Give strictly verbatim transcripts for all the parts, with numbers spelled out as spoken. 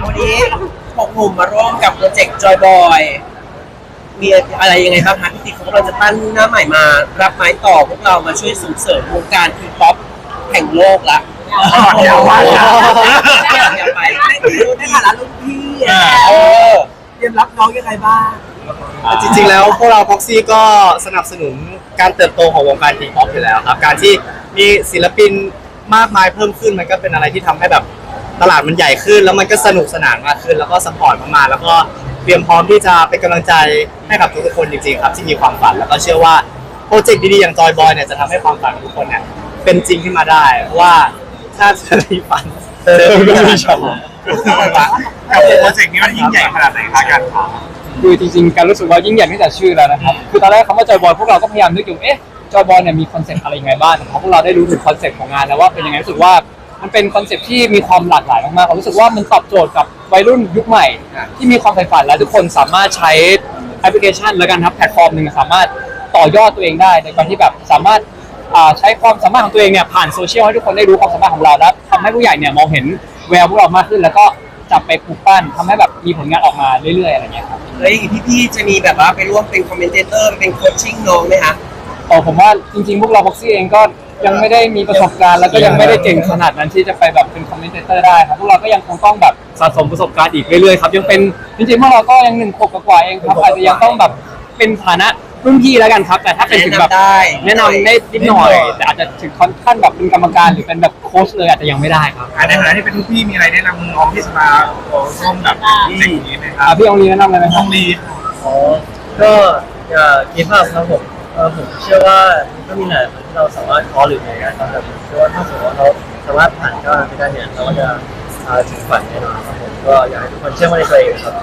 วันนี้หกหนุ่มมาร่วมกับโปรเจกต์จอยบอยมีอะไรยังไงบ้างคะพี่ติ๊กเขากำลังจะตั้งหน้าใหม่มารับไม้ต่อพวกเรามาช่วยส่งเสริมวงการทีป๊อปแห่งโลกละอยากไปอยากไปในฐานะรุ่นพี่เตรียมรับน้องยังไงบ้างจริงๆแล้วพวกเราพ็อกซี่ก็สนับสนุนการเติบโตของวงการทีป๊อปอยู่แล้วครับการที่มีศิลปินมากมายเพิ่มขึ้นมันก็เป็นอะไรที่ทำให้แบบตลาดมันใหญ่ขึ้นแล้วมันก็สนุกสนานมากขึ้นแล้วก็สปอร์ตมากๆแล้วก็เตรียมพร้อมที่จะเป็นกำลังใจให้กับทุกๆคนจริงๆครับที่มีความฝันแล้วก็เชื่อว่าโปรเจกต์ดีๆอย่างจอยบอยเนี่ยจะทำให้ความฝันของทุกคนเนี่ยเป็นจริงขึ้นมาได้เพราะว่าถ้าเธอมีฝันเธอก็มีช็อตกับโปรเจกต์นี้มันยิ่งใหญ่ขนาดไหนคะกันคือจริงๆการรู้สึกว่ายิ่งใหญ่ตั้งแต่ชื่อแล้วนะครับคือตอนแรกคำว่าจอยบอยพวกเราก็พยายามนึกอยู่เอ๊ะจอยบอยเนี่ยมีคอนเซ็ปต์อะไรยังไงบ้างเพราะพวกเราได้รู้ถึงคอนเซ็ปต์ของงานแล้วว่าเป็นยังไงรู้สึกว่ามันเป็นคอนเซ็ปต์ที่มีความหลากหลายมากๆผมรู้สึกว่ามันตอบโจทย์กับวัยรุ่นยุคใหม่ที่มีความใฝ่ฝันและทุกคนสามารถใช้แอปพลิเคชันและกันครับแพลตฟอร์มหนึ่งสามารถต่อยอดตัวเองได้ในการที่แบบสามารถใช้ความสามารถของตัวเองเนี่ยผ่านโซเชียลให้ทุกคนได้รู้ความสามารถของเราและทำให้ผู้ใหญ่เนี่ยมองเห็นแววพวกเรามากขึ้นแล้วก็จับไปปลูกปั้นทำให้แบบมีผลงานออกมาเรื่อยๆอะไรเงี้ยครับเฮ้ยพี่ๆจะมีแบบว่าไปร่วมเป็นคอมเมนเตเตอร์เป็นโคชชิ่งน้องไหมคะอ๋อผมว่าจริงๆพวกเราบ็อกซี่เองก็ยังไม่ได้มีประสบการณ์แล้วก็ยังไม่ได้เก่งขนาดนั้นที่จะไปแบบเป็นคอมเมนเตอร์ได้ครับพวกเราก็ยังคงต้องแบบสะสมประสบการณ์อีกเรื่อยๆครับยังเป็นจริงๆพวกเราก็ยังหนึ่งขวบกว่าเองครับอาจจะยังต้องแบบเป็นฐานะรุ่นพี่แล้วกันครับแต่ถ้าเป็นถึงแบบแนะนำได้นิดหน่อยแต่อาจจะถึงขั้นแบบเป็นกรรมการหรือเป็นแบบโค้ชเลยอาจจะยังไม่ได้ครับในฐานะที่เป็นรุ่นพี่มีอะไรแนะนำน้องที่จะมาร่วมแบบสิ่งนี้ไหมครับพี่องลีแนะนำอะไรไหมครับองลีอ๋อก็อย่ากีภาพครับผมเออผมเชื่อว่าก็มีหลายคนที่เราสามารถคอหรืออะไรกันครับแต่ผมเชื่อว่าถ้าสมมติว่าเราสามารถผ่านก็ไปได้เนี่ยเราก็จะถึงฝันแน่นอนครับผมก็อยากให้ทุกคนเชื่อมั่นในตัวเองครับ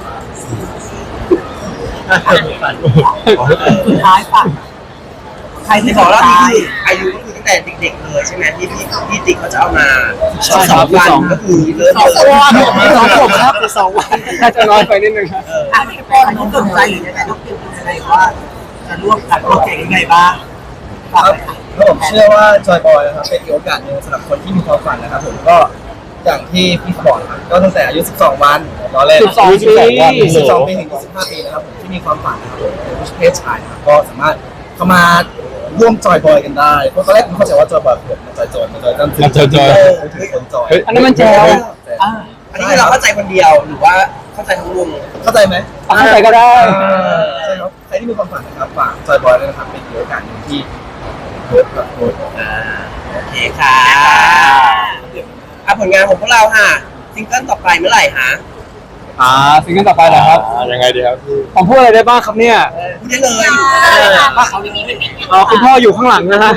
ฝันสุดท้ายฝันใครที่บอกว่าพี่อายุก็คือตั้งแต่เด็กๆเลยใช่ไหมที่พี่พี่ติ๊กเขาจะเอามาสองวันก็คือเริ่มเลยสองขวบครับสองวันน่าจะน้อยไปนิดนึงครับอันนี้ก็อันนี้สนใจหรือยังไงต้องเตรียมตัวยังไงว่าจะร่วมกับโปรเจกต์ยังไงบ้างครับผมเชื่อว่าจอยบอยนะครับเป็นโอกาสหนึ่งสำหรับคนที่มีความฝันนะครับผมก็อย่างที่พี่เขาบอกครับก็ตั้งแต่อายุสิบสองวันตอนแรกสิบสองปีสิบสองปีถึงยี่สิบห้าปีนะครับผมที่มีความฝันนะครับผมเป็นเพศชายนะครับก็สามารถเข้ามาร่วมจอยบอยกันได้เพราะตอนแรกผมเข้าใจว่าจอยบอยคือมันจอยจอยมันจอยกันถึงจอยจอยถึงคนจอยอันนี้มันแจ๋วอันนี้เราเข้าใจคนเดียวหรือว่าเข้าใจทั้งวงเข้าใจไหมเข้าใจก็ได้ใช่ครับใครที่มีความฝันนะครับฝากจอยบอยเลยนะครับเป็นโอกาสหนึ่งที่โค้ชกับโค้ชโอเคค่ะอ่ะผลงานของพวกเราค่ะซิงเกิลต่อไปเมื่อไหร่ฮะอ่าซิงเกิลต่อไปเหรอครับยังไงดีครับพี่ผมพูดอะไรได้บ้างครับเนี่ยพูดได้เลยอ๋อคุณพ่ออยู่ข้างหลังนะฮะ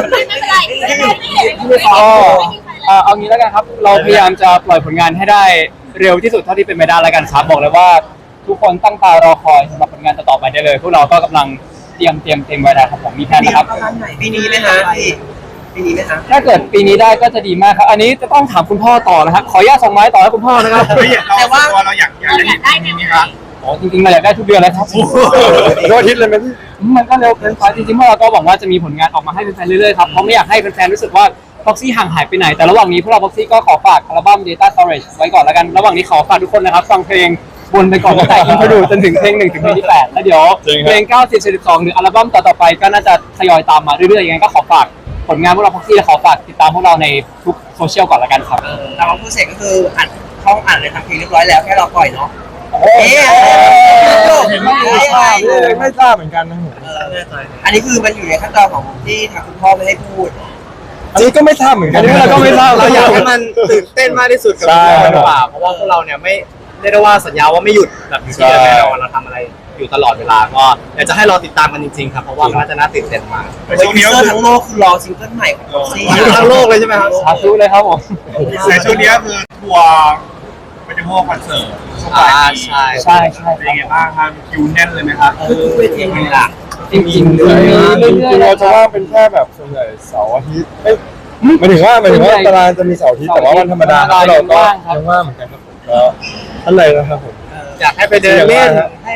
อ๋อเอางี้แล้วกันครับเราพยายามจะปล่อยผลงานให้ได้เร็วที่สุดเท่าที่เป็นไปได้แล้วกันครับบอกเลยว่าทุกคนตั้งตารอคอยสำหรับผลงานต่อไปได้เลยพวกเราก็กำลังเตรียมเตรียมเตรียมไว้แล้วครับผมมีแผนนะครับปีนี้ไหมฮะปีนี้ไหมฮะถ้าเกิดปีนี้ได้ก็จะดีมากครับอันนี้จะต้องถามคุณพ่อต่อนะครับขออนุญาตส่งไม้ต่อให้คุณพ่อนะครับแต่ว่าเราอยากอยากได้ปีนี้ครับอ๋อจริงๆเราอยากได้ทุกเดือนเลยครับทุกอาทิตย์เลยไหมมันก็เร็วเกินไปจริงๆพวกเราก็หวังว่าจะมีผลงานออกมาให้แฟนๆเรื่อยๆครับเพราะไม่อยากให้แฟนๆรู้สึกว่าบ็อกซี่ห่างหายไปไหนแต่ระหว่างนี้พวกเราบ็อกซี่ก็ขอฝากอัลบั้ม Data Storage ไว้ก่อนแล้วกันระหว่างนี้ขอฝากทุกคนนะครับฟังเพลงบนไปก่อนตั้งแต่อินโทรดูจนถึงเพลงหนึ่งถึงเพลงที่แปดแล้วเดี๋ยวเพลงเก้าสิบ สิบสองหรืออัลบั้มต่อๆไปก็น่าจะทยอยตามมาเรื่อยๆอย่างนั้นก็ขอฝากผลงานพวกเราบ็อกซี่และขอฝากติดตามพวกเราในทุกโซเชียลก่อนแล้วกันครับแต่ว่าผู้เสกก็คืออัดห้องอัดเลยทำเพลงเรียบร้อยแล้วแค่เราปล่อยเนาะเอ๊ะไม่ทราบเลยไม่ทราบเหมือนกันนะผมอันนี้คือมันอยู่ในขั้นตอนของที่ทางคุณพ่อไม่ให้พูดอันนี้ก็ไม่ทราบเหมือนกันเราก็ไม่ทราบเราอยากให้มันตื่นเต้นมากที่สุดกับมันกว่าเพราะว่าพวกเราเนี่ยไม่ได้ได้ว่าสัญญาว่าไม่หยุดแบบนี้แน่นอนเราทำอะไรอยู่ตลอดเวลาก็อยากจะให้รอติดตามกันจริงๆครับเพราะว่ามันจะน่าตื่นเต้นมากช่วงนี้ทั้งโลกคือรอซิงเกิลใหม่ของบ็อกซี่ทั้งโลกเลยใช่ไหมครับสาธุเลยครับผมในช่วงนี้คือทัวร์เป็นทัวร์คอนเสิร์ตช่วงปลายใช่ใช่ใช่เป็นยังไงบ้างครับคิวแน่นเลยไหมครับคือทุกเวทีเลยล่ะจริงๆเลยจริงๆเราจะว่าเป็นแค่แบบส่วนใหญ่เสาร์อาทิตย์ไม่หมายถึงว่าหมายถึงว่าตารางจะมีเสาร์อาทิตย์แต่ว่าวันธรรมดาเราก็ยังว่างเหมือนกันครับผมก็อะไรนะครับผมอยากให้ไปเดินเล่นให้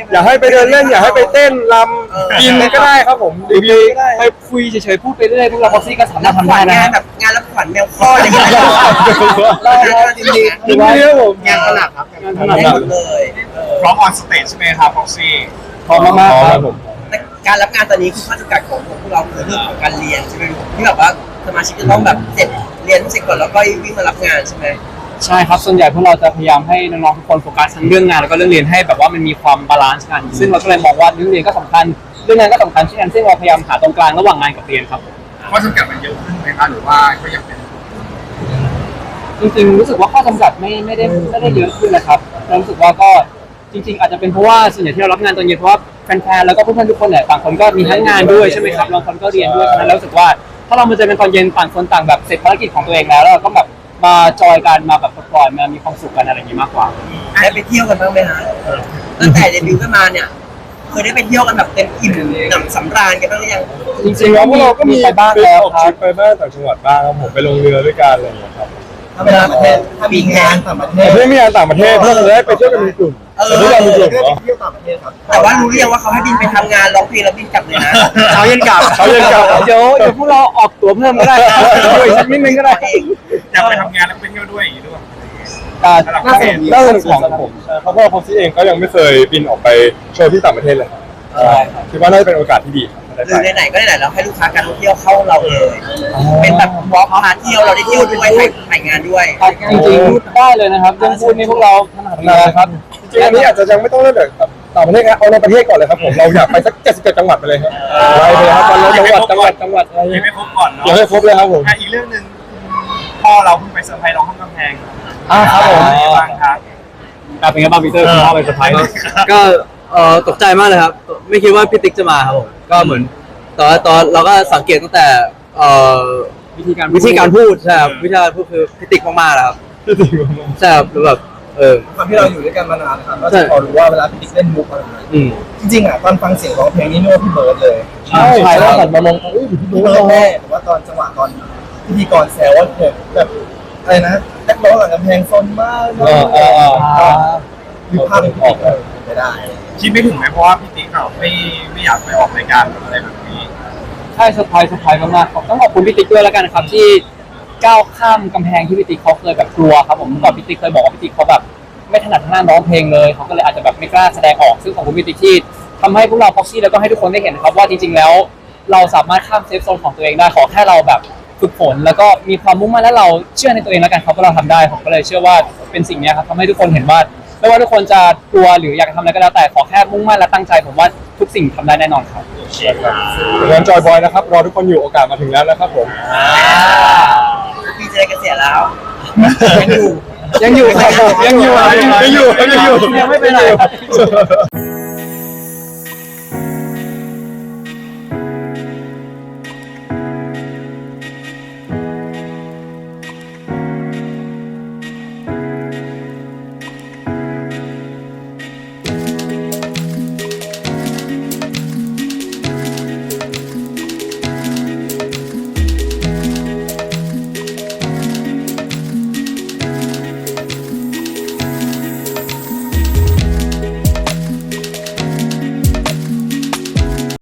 อยากให้ไปเดินเล่นอยากให้ไปเต้นรำกินก็ได้ครับผมรีวิวก็ได้ไปคุยเฉยๆพูดไปเรื่อยพวกเราพ็อกซี่ก็สามารถทำได้นะงานคแบรับบงานรับขวัญแมวข้ออะไรอย่างเงี้ยได้ครับจริงๆจริงๆครับผมงานถนัดครับงานถนัดได้หมดเลยพร้อมออนสเตจใช่ไหมครับพ็อกซี่พร้อมมากๆครับแต่การรับงานตอนนี้คือข้อจำกัดของพวกเราคือเรื่องของการเรียนใช่ไหมลูกที่แบบว่าสมาชิกจะต้องแบบเสร็จเรียนเสร็จก่อนแล้วก็วิ่งมารับงานใช่ไหมใช่ครับส่วนใหญ่พวกเราจะพยายามให้น้องๆทุกคนโฟกัสทั้งเรื่องงานแล้วก็เรื่องเรียนให้แบบว่ามันมีความบาลานซ์กันซึ่งเราก็เลยมองว่าเรื่องเรียนก็สำคัญเรื่องงานก็สำคัญเช่นกันซึ่งเราพยายามหาตรงกลางระหว่างงานกับเรียนครับข้อจำกัดมันเยอะขึ้นไหมครับหรือว่าก็ยังเป็นจริงๆรู้สึกว่าข้อจำกัดไม่ไม่ได้ไม่ได้เยอะขึ้นนะครับเรารู้สึกว่าก็จริง ๆ อาจจะเป็นเพราะว่าส่วนใหญ่ที่เรารับงานตอนเย็นเพราะว่าแฟนๆแล้วก็เพื่อนๆทุกคนเนี่ยต่างคนก็มีทั้งงานด้วยใช่ไหมครับบางคนก็เรียนด้วยฉะนั้นเรารู้สึกว่าถ้าเรามาเจอกันตอนเย็นต่างคนต่างแบบเสร็จภารกิจของตัวเองแล้วแล้วเราก็แบบมาจอยกันมาแบบปล่อยมามีความสุขกันอะไรอย่างนี้มากกว่าได้ไปเที่ยวกันบ้างไหมฮะตั้งแต่เดบิวต์กันมาเนี่ยเคยได้ไปเที่ยวกันแบบเต็มอิ่มหนำสำราญกันบ้างหรือยังจริงๆแล้วพวกเราก็มีไปบ้างแล้วออกคทรัริบปไปบ้างต่างจังหวัดบ้างครับผมไปลงเรือด้วยกันอะไรอย่างเงี้ยครับถ้าเวลาประเทศถ้ามีงานต่างประเทแต่ศเพื่อนมีงานต่างประเทศเพื่อนเลยได้ไปเที่ยวกันเป็นกลุ่มเออแต่ทุกอย่างเป็นกลุ่มเพื่อนเนาะไปเที่ยวต่างประเทศครับแต่ว่ารู้หรือยังว่าเขาให้บินไปทำงานร้องเพลงแล้วบินกลับเลยนะเช้าเย็นกลับเขาเรียนกลับเดี๋ยวเดี๋ยวพวกเราออกตั๋วเพิ่มก็ได้ครับด้วยสักนิดนึงก็ได้อยากไปทำงานแล้วก็ไปเที่ยวด้วยอย่างนี้ด้วยอ่าน่าสนุกน่าสนุกของผมใช่เพราะว่าพ็อกซี่เองก็ยังไม่เคยบินออกไปโชว์ที่ต่างประเทศเลยใช่ครับคิดว่าน่าจะเป็นโอกาสที่ดีครับหรือไหนๆก็ไหนๆเราให้ลูกค้าการท่องเที่ยวเข้าเราเลย เป็นแบบวอล์กพาเที่ยวเราได้เที่ยวด้วยถ่ายถ่ายงานด้วยจริงๆพูดได้เลยนะครับเรื่องพูดนี่พวกเราถนัดเลยครับจริงๆอันนี้อาจจะยังไม่ต้องเริ่มจากต่างประเทศครับเอาในประเทศก่อนเลยครับผมเราอยากไปสักเจ็ดสิบเจ็ดจังหวัดไปเลยครับไปเลยครับวันละจังหวัดจังหวัดจังหวัดอะไรยังไม่ครบก่อนเนาะอยากให้ครบเลยครับผมอ่ะอีกเรื่องหนึ่งพ่อเราเพิ่งไปเซอร์ไพรส์น้องข้ามกำแพงอ่าครับผมเป็นไงบ้างครับอ่าเป็นไงบ้างพีเตอร์คุณพ่อไปเซอร์ไพรส์ก็เอ่อตกใจมากเลยครับ ไม่คิดว่าพี่ติ๊กจะมาครับผมก็เหมือนตอนตอนเราก็สังเกตตั้งแต่เอ่อวิธีการวิธีการพูดใช่ครับวิธีการพูดคือพี่ติ๊กมากๆนะครับใช่ครับแล้วแบบเออความที่เราอยู่ด้วยกันมานานนะครับก็จะพอรู้ว่าเวลาพี่ติ๊กเล่นมุกอะไรอย่างเงี้ยอืมจริงๆอ่ะตอนฟังเสียงร้องเพลงนี่นึกว่าพี่เบิร์ดเลยใช่ใช่แล้วหันมามองอุ้ยพี่พี่ดูเบิร์เราดแน่แต่ว่าตอนจังหวะตอนพิธีกรแซวว่าแบบแบบอะไรนะนักร้องหลังกำแพงซนมากอ่าอ่าอ่าก็มีภาพเป็นพี่ติ๊กเลยไม่ได้คิดไม่ถึงไหมเพราะว่าพี่ติ๊กเราไม่ไม่อยากไปออกรายการอะไรแบบนี้ใช่เซอร์ไพรส์เซอร์ไพรส์มากๆต้องขอบคุณพี่ติ๊กด้วยแล้วกันครับที่ก้าวข้ามกำแพงที่พี่ติ๊กเขาเคยแบบกลัวครับผมเมื่อก่อนพี่ติ๊กเคยบอกว่าพี่ติ๊กเขาแบบไม่ถนัดทางด้านร้องเพลงเลยเขาก็เลยอาจจะแบบไม่กล้าแสดงออกซึ่งขอบคุณพี่ติ๊กที่ทำให้พวกเราพ็อกซี่แล้วก็ให้ทุกคนได้เห็นนะครับว่าจริงๆแล้วเราสามารถข้ามเซฟโซนของตัวเองได้ขอแค่เราแบบฝึกฝนแล้วก็มีความมุ่งมั่นและเราเชื่อในตัวเองแล้วกันครับว่าเราทำได้ผมก็เลยเชื่อว่าเป็นสิ่งนี้ครับทำให้ทุกคนเห็นว่าไม่ว่าทุกคนจะกลัวหรืออยากทำอะไรก็แล้วแต่ขอแค่มุ่งมั่นและตั้งใจผมว่าทุกสิ่งทำได้แน่นอนครับงานจอยบอยนะครับรอทุกคนอยู่โอกาสมาถึงแล้วนะครับผมพี่จะได้เกษียณแล้วยังอยู่ยังอยู่ครับผมยังอยู่ยังอยู่ยังอยู่ยังไม่ไปไหน